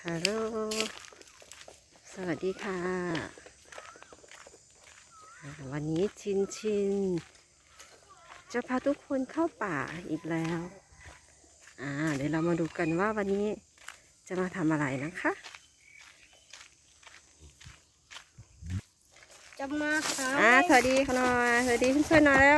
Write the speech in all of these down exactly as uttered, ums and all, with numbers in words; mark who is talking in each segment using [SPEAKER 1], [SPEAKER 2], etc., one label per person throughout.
[SPEAKER 1] ฮัลโหลสวัสดีค่ะ วันนี้ชินชินจะพาทุกคนเข้าป่าอีกแล้วอ่าเดี๋ยวเรามาดูกันว่าวันนี้จะมาทำอะไรนะคะ
[SPEAKER 2] จะมาหา
[SPEAKER 1] อ่าสวัสดีค่ะหน่อยสวัสดีเพื่อนๆหน่อยแล้ว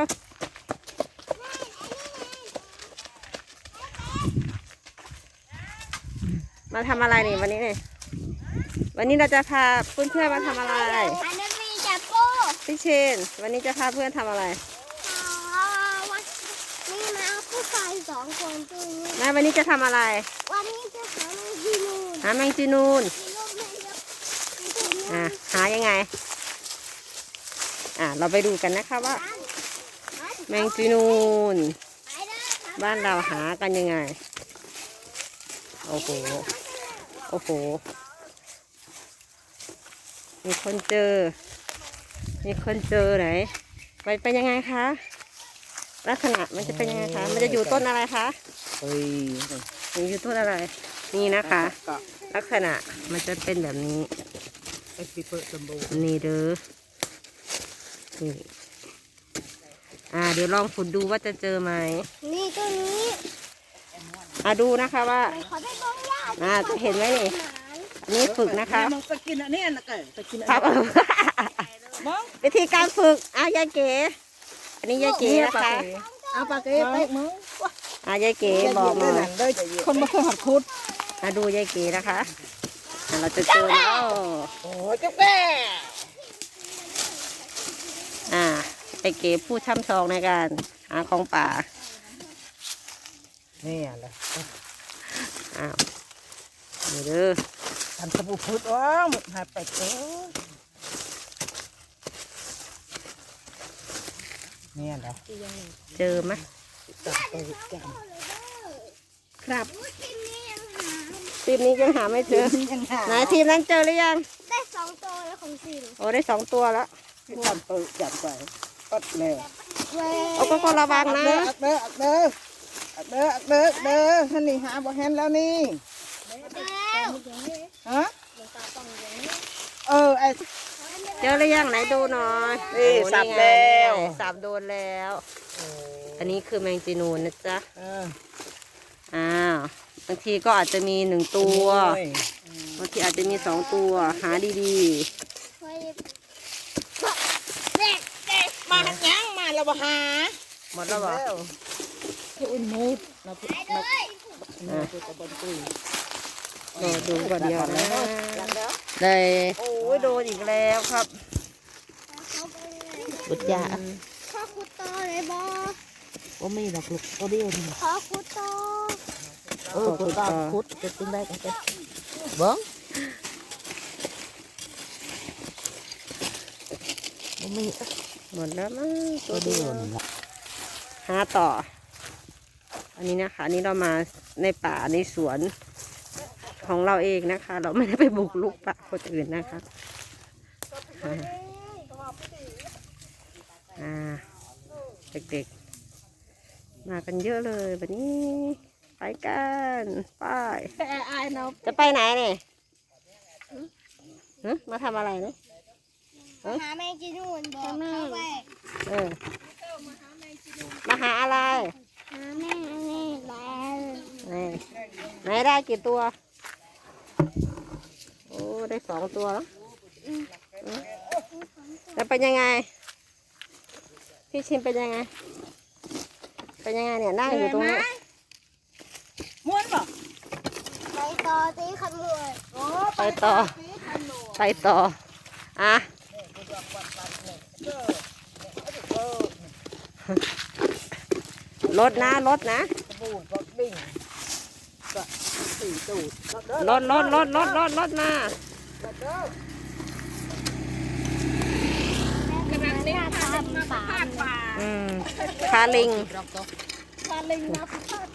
[SPEAKER 1] มาทำอะไรนี่วันนี้เนี่ยวันนี้เราจะพาเพื่อนๆมาทำอะไร
[SPEAKER 2] อันนี้มีจับโป้
[SPEAKER 1] พี่เชนวันนี้จะพาเพื่อนทำอะไร
[SPEAKER 2] นี่มาผู้ชายสองคนตัวนี้
[SPEAKER 1] แม่วันนี้จะทำอะไร
[SPEAKER 2] วันนี้จะหาแมงจีนูน
[SPEAKER 1] หาแมงจีนูนอ่าหายังไงอ่าเราไปดูกันนะคะว่าแมงจีนูนบ้านเราหากันยังไงโอ้โหโอ้โหมีคนเจอมีคนเจอไหนไปเป็นยังไงคะลักษณะมันจะเป็นยังไงคะมันจะอยู่ต้นอะไรคะ
[SPEAKER 3] เฮ้ย
[SPEAKER 1] มันอยู่ต้นอะไรนี่นะคะลักษณะมันจะเป็นแบบนี้นี่เด้อนี่อ่าเดี๋ยวลองขุดดูว่าจะเจอไหม
[SPEAKER 2] นี่ตัวนี้
[SPEAKER 1] อ่าดูนะคะว่าอ่าจะเห็นไหมนี่อันนี้ฝึกนะคะ
[SPEAKER 3] มันจะกินอันนี้นะเก๋จะกินอัน
[SPEAKER 1] ครับ
[SPEAKER 3] นี้
[SPEAKER 1] วิธีการฝึกอ่ะยายเก๋อันนี้ยายเก๋นะคะ
[SPEAKER 3] เอาปลาเก๋ไปมึง
[SPEAKER 1] อ่ะยายเก๋บอกมา
[SPEAKER 3] คนมาเคยหัดคุด
[SPEAKER 1] อ่ะดูยายเก๋นะคะเราจะเจอแล้ว
[SPEAKER 3] โอ้ยกาแฟ
[SPEAKER 1] อ่ายายเก๋ผู้ช่ำชองในการหาของป่า
[SPEAKER 3] นี่อะไร
[SPEAKER 1] อ้าวนี่เด้อ
[SPEAKER 3] ทำสบู่พุดอ๋อหมดหายไปเจอนี่อะไร
[SPEAKER 1] เจอไหม
[SPEAKER 3] จับตัวจับ
[SPEAKER 1] ครับทีมนี้ยังหาไม่เจอไหนทีมนั้นเจอหรือยัง
[SPEAKER 2] ได้สองตัวแล้วของสิง
[SPEAKER 1] โอ้ได้สองตัวแล้ว
[SPEAKER 3] จับตัวจับไปปัดเลย
[SPEAKER 1] โอ้ก็ก็ระวังนะ
[SPEAKER 3] เด้อเด้อเด้อเด้อเด้อเด้อท่านนี่หาบ่เห็นแล้วนี่ฮะเออไอ
[SPEAKER 1] เจอหรือยังไหนดูหน่อย
[SPEAKER 3] นี่สับแล้ว
[SPEAKER 1] สับโดนแล้วอันนี้คือแมงจีนูนนะจ๊ะอ้าวบางทีก็อาจจะมีหนึ่งตัวบางทีอาจจะมีสองตัวหาดี
[SPEAKER 3] ๆมาหันยังมาแล้วบ่หา
[SPEAKER 1] หมดแล้วบ่
[SPEAKER 3] อุ่นมูดเราพูดเราพูดกับบนตุย
[SPEAKER 1] ก็ดูก่อนเดียวนะได้โอ้ยโดนอีกแล้วครับบุตรยา
[SPEAKER 2] ขอคุดต่อเลยบอ
[SPEAKER 3] โอ้ไม่หรอกลูกตัวเดียวนี่
[SPEAKER 2] ขอคุดต่อ
[SPEAKER 3] เออคุดต่อคุดจะติ้งได้กันเต้บ้องไม่
[SPEAKER 1] หมดแล้วมั้ง
[SPEAKER 3] ตัวเดียว
[SPEAKER 1] หาต่ออันนี้นะคะอันนี้เรามาในป่าในสวนของเราเองนะคะเราไม่ได้ไปบุกลุกป่าคนอื่นนะคะอ่าเด็กๆมากันเยอะเลยวันนี้ไปกันไปจะไปไหนเนี่ยมาทำอะไรเนี่ย
[SPEAKER 2] หาแมงจีนูนบอกเขาไป
[SPEAKER 1] เออมาหาอะไร
[SPEAKER 2] หาแม่นี่แล้ว
[SPEAKER 1] นี่ไหนได้กี่ตัวโอ้ได้สองตัวแล้วแล้วเป็นยังไงพี่ชิมเป็นยังไงเป็นยังไงเนี่ยนั่งอยู่ตรงนี้
[SPEAKER 3] ม้วนป่ะ
[SPEAKER 2] ไปต่อตีขมวย
[SPEAKER 1] ไปต่อไปต่ออ่ะรถนะรถนะรถรถรถรถรถรถมาอืมคาลิง
[SPEAKER 2] คาลิงนะ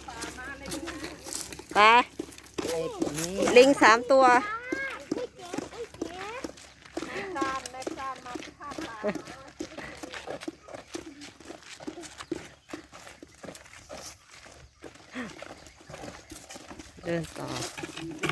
[SPEAKER 1] ไปลิงสามตัวเดินต่อ